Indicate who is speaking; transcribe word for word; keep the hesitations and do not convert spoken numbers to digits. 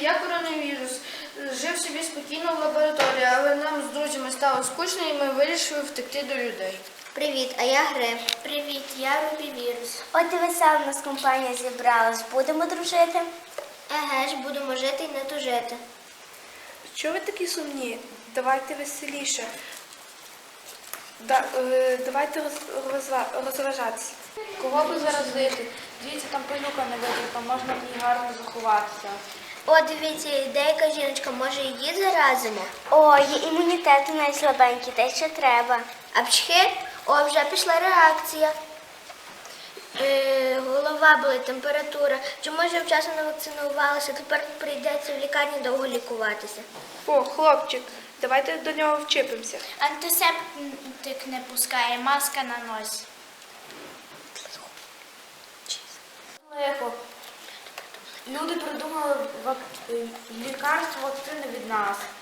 Speaker 1: я коронавірус. Жив собі спокійно в лабораторії, але нам з друзями стало скучно і ми вирішили втекти до людей.
Speaker 2: Привіт, а я Греб.
Speaker 3: Привіт, я Рубівірус.
Speaker 2: От і весела в нас компанія зібралась. Будемо дружити?
Speaker 3: Еге ж, будемо жити і не тужити.
Speaker 4: Чого ви такі сумні? Давайте веселіше. Да, е, давайте роз, розва- розважатися.
Speaker 1: Кого би заразити? Дивіться, там пилюка не витерта, можна в ній гарно заховатися.
Speaker 3: О, дивіться, деяка жіночка, може її заразимо?
Speaker 2: О, є імунітет у неї слабенький, те, що треба.
Speaker 3: А пчхи? О, вже пішла реакція. Е, голова болить, температура. Чи може вчасно не вакцинувалися, тепер прийдеться в лікарні довго лікуватися.
Speaker 4: О, хлопчик, давайте до нього вчепимося.
Speaker 3: Антисептик не пускає, маска на носі.
Speaker 1: Лихо. Люди придумали вак... лікарство, вакцини від нас.